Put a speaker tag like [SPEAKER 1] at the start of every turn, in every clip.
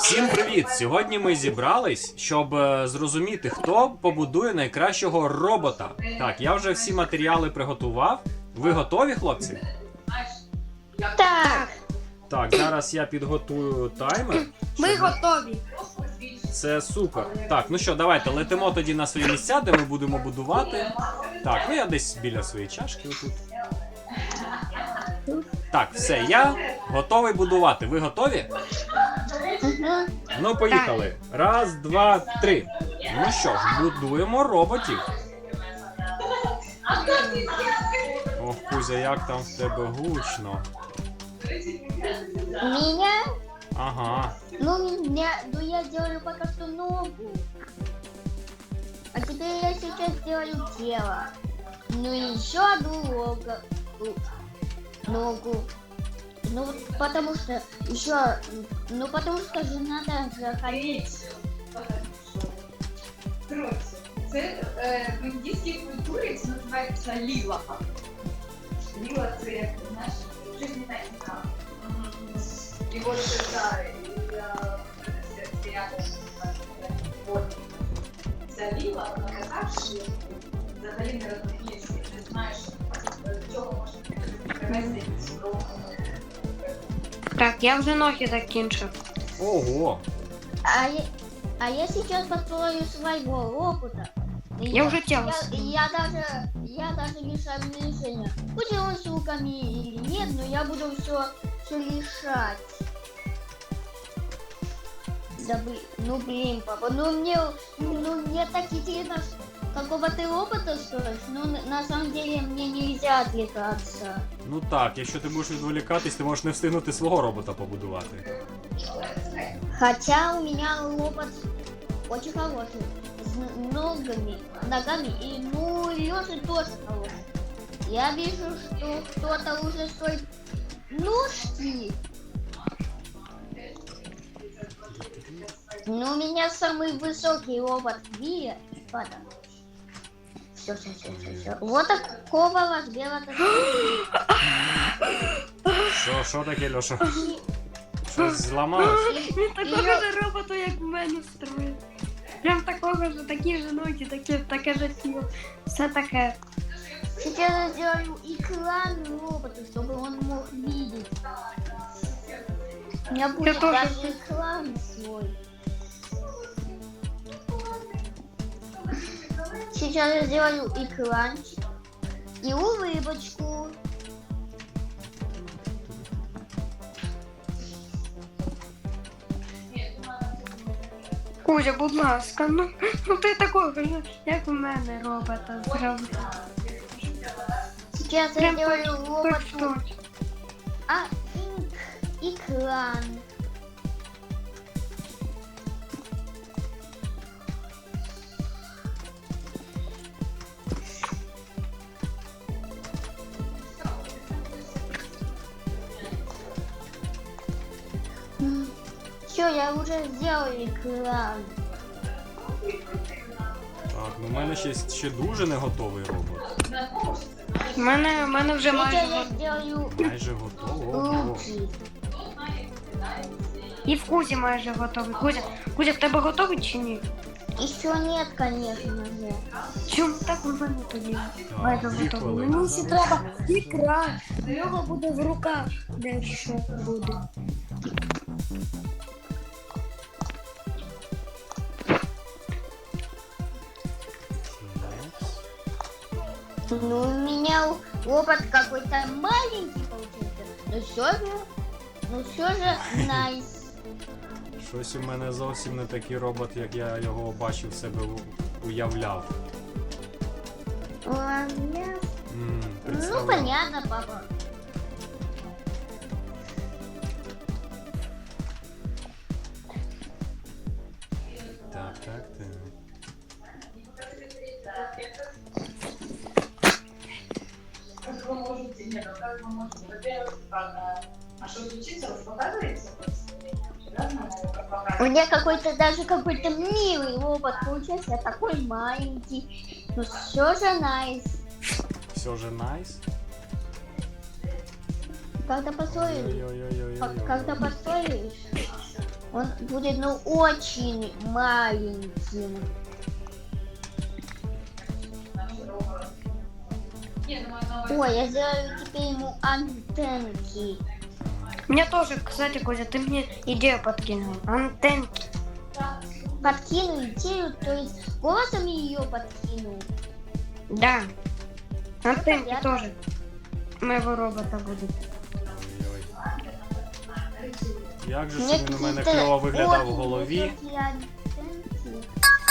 [SPEAKER 1] Всім привіт! Сьогодні ми зібрались, щоб зрозуміти, хто побудує найкращого робота. Так, я вже всі матеріали приготував. Ви готові, хлопці?
[SPEAKER 2] Так,
[SPEAKER 1] Так, зараз я підготую таймер.
[SPEAKER 2] ми готові.
[SPEAKER 1] Це супер. Так, ну що, давайте летимо тоді на свої місця, де ми будемо будувати. Так, ну я десь біля своєї чашки отут. Так, все, я готовий будувати. Ви готові? Ну, поїхали. Раз, два, три. Ну що ж, будуємо роботів. Ох, Кузя, як там в тебе гучно.
[SPEAKER 2] Меня?
[SPEAKER 1] Ага.
[SPEAKER 2] Я делаю пока что ногу. А теперь я сейчас делаю тело. Ну и еще одну ногу. Ну, потому что еще, потому что же надо заходить.
[SPEAKER 3] Коротше, це в індійській культурі це називається ліла. Ліла це, як ти знаєш, жизненна ікра. І от ця ліла, вона така, що взагалі не розумієш, не знаєш, до чого може привести до.
[SPEAKER 4] Так, я вже ноги закінчив.
[SPEAKER 1] Ого.
[SPEAKER 2] А я сейчас построю своего робота.
[SPEAKER 4] Я уже тело
[SPEAKER 2] Я даже решаю решение. Будет он с руками или нет, но я буду все решать. Да блин, папа, мне так интересно, какого ты робота строишь, но на самом деле мне нельзя отвлекаться.
[SPEAKER 1] Ну так, якщо ти будеш відволікатись, ти можеш не встигнути свого робота побудувати.
[SPEAKER 2] Хотя у меня робот очень хороший, с ногами и лёжа тоже хороший. Я вижу, что кто-то уже строит ножки. Но у меня самый высокий робот в мире. Все. Вот такого размера.
[SPEAKER 1] Що таке, Льоша? Щось зламалось?
[SPEAKER 4] Він такого ж роботу, як в мене строїть. Прям такого ж, такі ж ноги, таке ж тіло. Все таке.
[SPEAKER 2] Сейчас я сделаю экран робота, чтобы он мог видеть. У меня будет
[SPEAKER 4] тоже
[SPEAKER 2] даже
[SPEAKER 4] хочу.
[SPEAKER 2] экран свой. Сейчас я сделаю экранчик и улыбочку.
[SPEAKER 4] Кузя, будь ласка, ну ти такого ж, як в мене робота зробив.
[SPEAKER 2] Сейчас я
[SPEAKER 4] Прям
[SPEAKER 2] сделаю
[SPEAKER 4] точно.
[SPEAKER 2] роботу экран. Все, я уже сделал экран.
[SPEAKER 1] Так, ну в мене ще дуже не готовий робот.
[SPEAKER 4] У мене вже
[SPEAKER 2] Сейчас
[SPEAKER 4] майже
[SPEAKER 2] я сделаю
[SPEAKER 1] Майже готовий. Ого.
[SPEAKER 2] руки.
[SPEAKER 4] і в Кузі майже готовий. Кузя, в тебе готовий чи ні?
[SPEAKER 2] Еще нет, конечно же.
[SPEAKER 4] Чому так у мене тоді? Майже
[SPEAKER 1] Так, 2
[SPEAKER 4] готовий.
[SPEAKER 1] хвилини.
[SPEAKER 4] Мені ще треба ікра. В нього буде в руках дещо буде.
[SPEAKER 2] Ну, у меня робот какой-то маленький получился. Но все же найс.
[SPEAKER 1] Щось у мене зовсім не такий робот, як я його бачив себе уявляв.
[SPEAKER 2] Ну,
[SPEAKER 1] Представляв.
[SPEAKER 2] понятно, папа.
[SPEAKER 1] Так.
[SPEAKER 3] Как вы можете, нет, как вы можете, во-первых, а что случится, уж показывается?
[SPEAKER 2] У меня какой-то милый робот получился, такой маленький. Но все же найс.
[SPEAKER 1] Все же найс.
[SPEAKER 2] Когда построишь,
[SPEAKER 1] Ой-ой-ой-ой-ой.
[SPEAKER 2] когда построишь, Он будет, ну, очень маленьким.
[SPEAKER 3] Ні, ну маю на увазі.
[SPEAKER 2] Ой, я сделаю теперь ему антенки.
[SPEAKER 4] Мне тоже, кстати, Кузя, ты мне идею подкинул. Антенки.
[SPEAKER 2] Подкину идею, то есть голосом ее подкинул.
[SPEAKER 4] Да. Антенки
[SPEAKER 2] понятно.
[SPEAKER 4] тоже. Моего робота будет.
[SPEAKER 1] Як же ж
[SPEAKER 2] Мне
[SPEAKER 1] він у мене
[SPEAKER 2] какие-то
[SPEAKER 1] кльово виглядав в
[SPEAKER 2] очень
[SPEAKER 1] голові.
[SPEAKER 2] высокие антенки.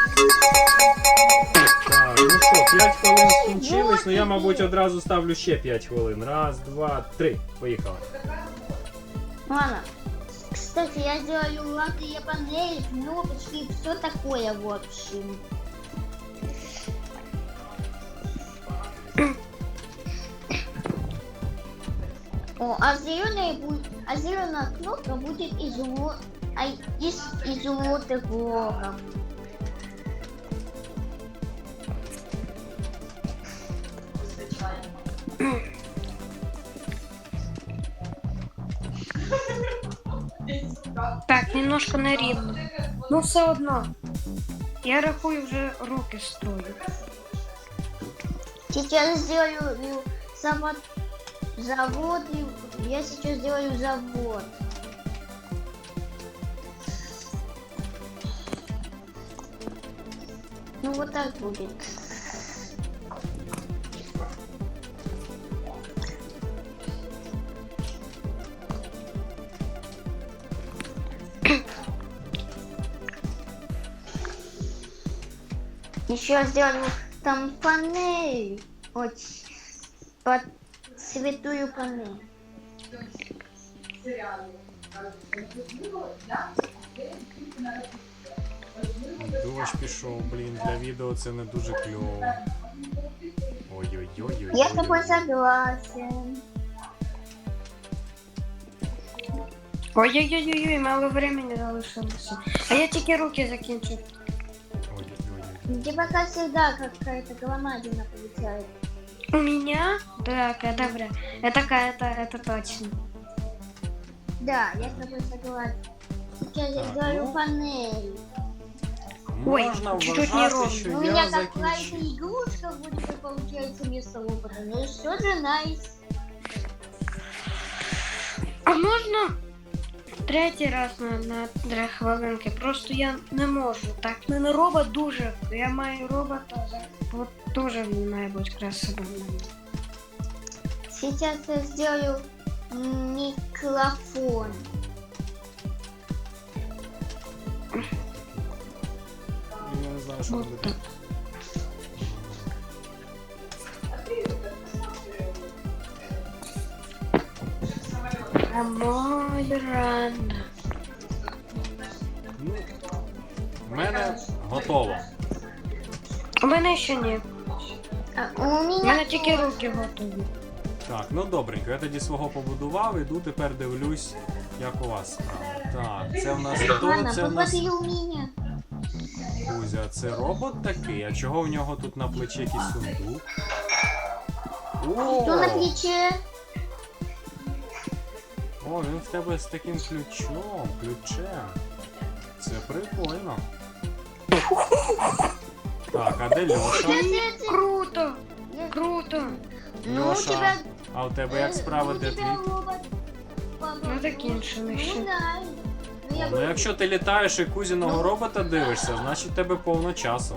[SPEAKER 1] Так, ну що, 5 хвилин скінчились, ну я, мабуть, одразу ставлю ще 5 хвилин. Раз, два, три. Поїхали.
[SPEAKER 2] Ладно. Кстати, я сделаю лампы, панели, кнопочки, все такое, в общем. О, а зеленая кнопка будет из изумрудных блоков.
[SPEAKER 4] Так, немножко нерівно. Ну все одно. Я рахую, вже руки строю.
[SPEAKER 2] Сейчас сделаю завод, я сейчас сделаю завод. Ну вот так будет. Еще сделаю там панель, под святую панель.
[SPEAKER 1] Дощ пішов, блін, для відео це не дуже кльово. Ой-ой-ой.
[SPEAKER 2] Я с тобой согласен.
[SPEAKER 4] Ой-ой-ой-ой, мало времени залишилося. А я тільки руки закінчу.
[SPEAKER 1] Ой-ой-ой.
[SPEAKER 2] Где пока всегда какая-то громадина получает.
[SPEAKER 4] У меня? Так, добре. Это точно.
[SPEAKER 2] Да, я с тобой согласен. Сейчас я
[SPEAKER 1] Так,
[SPEAKER 2] сделаю
[SPEAKER 1] ну.
[SPEAKER 2] панель.
[SPEAKER 4] Ой,
[SPEAKER 1] Можна
[SPEAKER 4] чуть-чуть
[SPEAKER 1] вважати,
[SPEAKER 4] неровно.
[SPEAKER 1] що
[SPEAKER 2] У
[SPEAKER 1] я
[SPEAKER 2] меня какая-то
[SPEAKER 1] закінчив.
[SPEAKER 2] игрушка будет получается вместо робота. Ну все же найс.
[SPEAKER 4] А можна третій раз на 3 хвилинки? Просто я не можу. Так, в мене робот дуже. Я маю робота, от дуже він має бути красивим.
[SPEAKER 2] Сейчас я сделаю микрофон.
[SPEAKER 1] Я не знаю, що
[SPEAKER 4] От
[SPEAKER 1] робити.
[SPEAKER 4] так. А мой рано.
[SPEAKER 1] Ну, в мене готово.
[SPEAKER 4] У мене ще ні.
[SPEAKER 2] У
[SPEAKER 4] У
[SPEAKER 2] меня
[SPEAKER 4] мене тільки руки готові.
[SPEAKER 1] Так, ну добренько, я тоді свого побудував, іду тепер дивлюсь, як у вас справа. Так, це в нас хто?
[SPEAKER 2] Ладно,
[SPEAKER 1] Це в нас
[SPEAKER 2] посмотри у меня.
[SPEAKER 1] Кузя. Це робот такий, а чого в нього тут на плечі якийсь сундук?
[SPEAKER 2] Что на плече?
[SPEAKER 1] О, він в тебе з таким ключем. Це прикольно. Так, а де Льоша?
[SPEAKER 4] Круто! Круто!
[SPEAKER 2] Ну, у
[SPEAKER 1] Льоша,
[SPEAKER 2] тебя...
[SPEAKER 1] а у тебе як справа,
[SPEAKER 2] ну,
[SPEAKER 1] де
[SPEAKER 2] у тебя
[SPEAKER 1] твій?
[SPEAKER 2] робот. Папа,
[SPEAKER 4] Ну закінчили
[SPEAKER 2] ну,
[SPEAKER 4] ще.
[SPEAKER 2] да. Ну, я
[SPEAKER 1] Ну якщо ти літаєш і Кузіного
[SPEAKER 2] Ну.
[SPEAKER 1] робота дивишся, значить в тебе повно часу.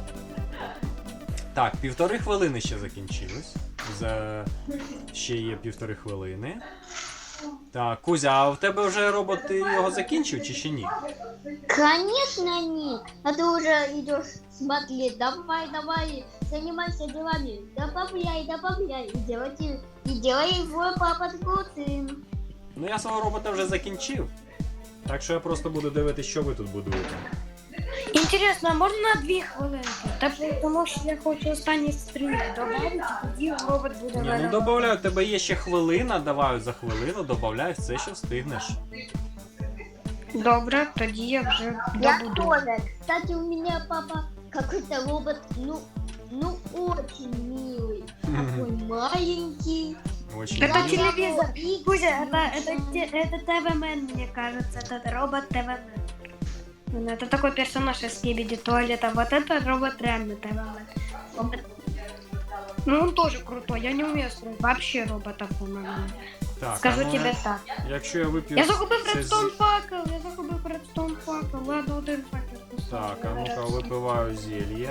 [SPEAKER 1] Так, 1,5 хвилини ще закінчилось. Ще є 1,5 хвилини. Так, Кузя, а в тебе вже робот, ти його закінчив чи ще ні?
[SPEAKER 2] Конечно нет. А ты уже идешь смотреть. Давай, занимайся делами. Добавляй. И делай его папа крутым.
[SPEAKER 1] Ну я свого робота вже закінчив. Так що я просто буду дивитися, що ви тут будуєте.
[SPEAKER 4] Інтересно, а можна на 2 хвилинки? Тому що я хочу останній стрім додати, тоді робот буде
[SPEAKER 1] Ні,
[SPEAKER 4] мене.
[SPEAKER 1] ну добавляю, у тебе є ще хвилина, давай за хвилину, добавляй все, що встигнеш.
[SPEAKER 4] Добре, тоді я вже
[SPEAKER 2] Я
[SPEAKER 4] добуду.
[SPEAKER 2] тоже. Кстати, у меня папа какой-то робот, ну очень милый. Такой маленький.
[SPEAKER 1] Очень
[SPEAKER 4] Это
[SPEAKER 1] мило.
[SPEAKER 4] телевизор.
[SPEAKER 2] Икс,
[SPEAKER 4] Кузя,
[SPEAKER 2] ну,
[SPEAKER 4] это ТВ-мен, мне кажется, это робот ТВ-мен. Это такой персонаж из Скибиди туалета. Вот это робот реально ТВ-мен. Ну он тоже крутой, я не умею строить вообще роботов, по-моему.
[SPEAKER 1] Так,
[SPEAKER 4] Скажу
[SPEAKER 1] а ну,
[SPEAKER 4] тебе так.
[SPEAKER 1] якщо я вип'ю...
[SPEAKER 4] Я загубив
[SPEAKER 1] це
[SPEAKER 4] редстоун факел, Ладно, один факел.
[SPEAKER 1] Так, а ну-ка випиваю зелье.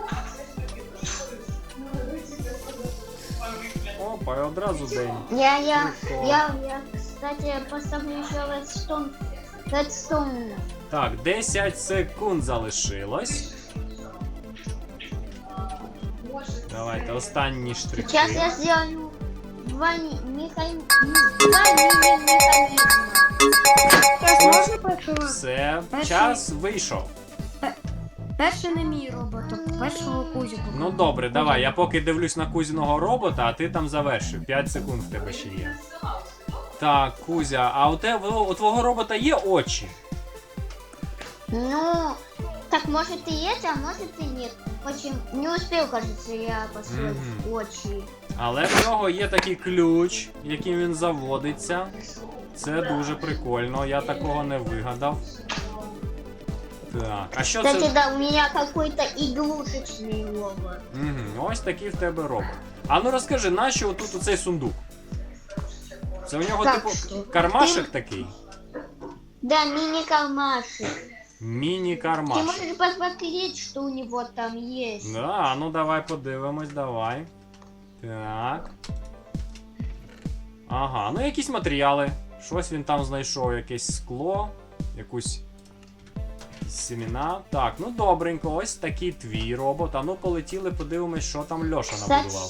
[SPEAKER 1] Опа, і одразу день.
[SPEAKER 2] Я,
[SPEAKER 1] Прикол.
[SPEAKER 2] кстати, поставлю еще Редстоун.
[SPEAKER 1] Так, 10 секунд залишилось. Давайте, останні штрихи.
[SPEAKER 2] Сейчас я сделаю два мини-механизма.
[SPEAKER 4] Можна першого?
[SPEAKER 1] Все,
[SPEAKER 4] Перший.
[SPEAKER 1] час вийшов.
[SPEAKER 4] Перший не мій робот, а першого Кузіку.
[SPEAKER 1] Ну добре, давай, я поки дивлюсь на Кузіного робота, а ти там завершив. 5 секунд в тебе ще є. Так, Кузя, а у твого робота є очі?
[SPEAKER 2] Ну, так может и есть, а может и нет. Очень не успел, кажется, я построить
[SPEAKER 1] Мгм.
[SPEAKER 2] очи.
[SPEAKER 1] Але в нього є такий ключ, яким він заводиться. Це дуже прикольно, я такого не вигадав. Так, а що
[SPEAKER 2] Кстати,
[SPEAKER 1] це?
[SPEAKER 2] да, у меня какой-то игрушечный робот.
[SPEAKER 1] Угу, ось такий в тебе робот. А ну розкажи, нащо отут оцей сундук? Це у нього
[SPEAKER 2] Так,
[SPEAKER 1] типу
[SPEAKER 2] що?
[SPEAKER 1] кармашек такий?
[SPEAKER 2] Да, мини-кармашек. Ты
[SPEAKER 1] Міні-кармашек.
[SPEAKER 2] можешь посмотреть, что у него там есть.
[SPEAKER 1] Да, ну давай подивимось, давай. Так. Ага, ну якісь матеріали. Щось він там знайшов, якесь скло, якісь семена. Так, ну добренько, ось такий твій робот. А ну полетіли, подивимось, що там Льоша
[SPEAKER 2] Кстати,
[SPEAKER 1] набудував.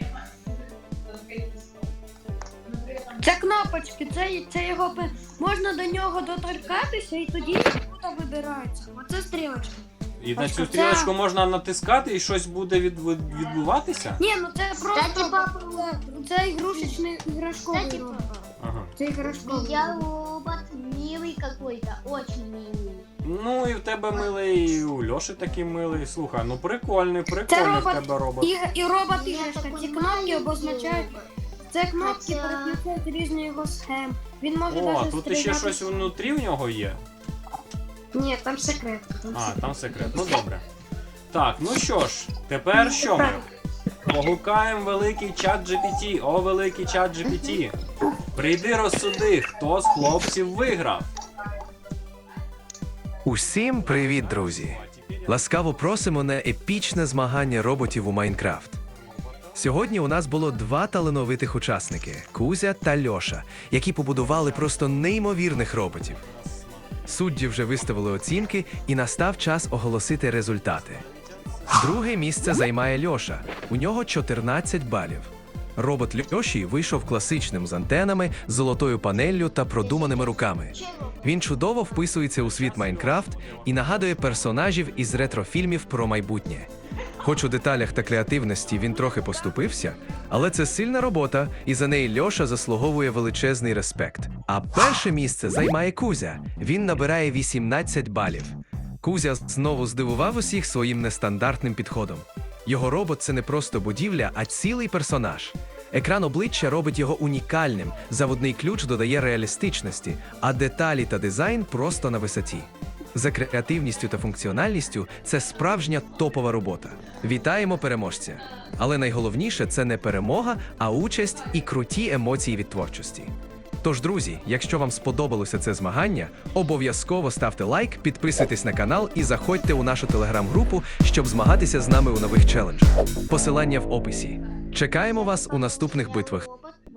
[SPEAKER 4] Це кнопочки, це його можна до нього доторкатися і тоді тут вибирається. Оце стрілочка.
[SPEAKER 1] І на
[SPEAKER 4] Ось
[SPEAKER 1] цю
[SPEAKER 4] це-
[SPEAKER 1] стрілочку можна натискати і щось буде відбуватися?
[SPEAKER 4] Ні, ну це просто
[SPEAKER 2] Кстати, папа,
[SPEAKER 4] це ігрушечний іграшковий
[SPEAKER 2] Кстати,
[SPEAKER 4] робот.
[SPEAKER 1] Ага.
[SPEAKER 4] Це іграшковий.
[SPEAKER 2] я робот милый какой-то, очень милый.
[SPEAKER 1] Ну і в тебе милий, і у Льоші такий милий. Слухай, ну прикольний
[SPEAKER 4] Це
[SPEAKER 1] в
[SPEAKER 4] робот,
[SPEAKER 1] тебе робот.
[SPEAKER 4] і робот
[SPEAKER 2] Я
[SPEAKER 4] іграшка.
[SPEAKER 2] такой
[SPEAKER 4] Ці кнопки
[SPEAKER 2] маленький
[SPEAKER 4] обозначають.
[SPEAKER 2] робот.
[SPEAKER 4] Це кнопки
[SPEAKER 2] Хоча-
[SPEAKER 4] переключають різні його схем. Він може
[SPEAKER 1] О,
[SPEAKER 4] навіть
[SPEAKER 1] тут іще
[SPEAKER 4] стріляти.
[SPEAKER 1] щось внутрі в нього є.
[SPEAKER 4] Ні, там секрет.
[SPEAKER 1] А, там секрет. Ну добре. Так, ну що ж, тепер що ми? Погукаємо великий чат GPT. О, великий чат GPT. Прийди розсуди, хто з хлопців виграв.
[SPEAKER 5] Усім привіт, друзі! Ласкаво просимо на епічне змагання роботів у Майнкрафт. Сьогодні у нас було два талановитих учасники – Кузя та Льоша, які побудували просто неймовірних роботів. Судді вже виставили оцінки, і настав час оголосити результати. Друге місце займає Льоша. У нього 14 балів. Робот Льоші вийшов класичним з антенами, золотою панеллю та продуманими руками. Він чудово вписується у світ Майнкрафт і нагадує персонажів із ретрофільмів про майбутнє. Хоч у деталях та креативності він трохи поступився, але це сильна робота, і за неї Льоша заслуговує величезний респект. А перше місце займає Кузя. Він набирає 18 балів. Кузя знову здивував усіх своїм нестандартним підходом. Його робот – це не просто будівля, а цілий персонаж. Екран обличчя робить його унікальним, заводний ключ додає реалістичності, а деталі та дизайн просто на висоті. За креативністю та функціональністю це справжня топова робота. Вітаємо переможця! Але найголовніше – це не перемога, а участь і круті емоції від творчості. Тож, друзі, якщо вам сподобалося це змагання, обов'язково ставте лайк, підписуйтесь на канал і заходьте у нашу телеграм-групу, щоб змагатися з нами у нових челенджах. Посилання в описі. Чекаємо вас у наступних битвах.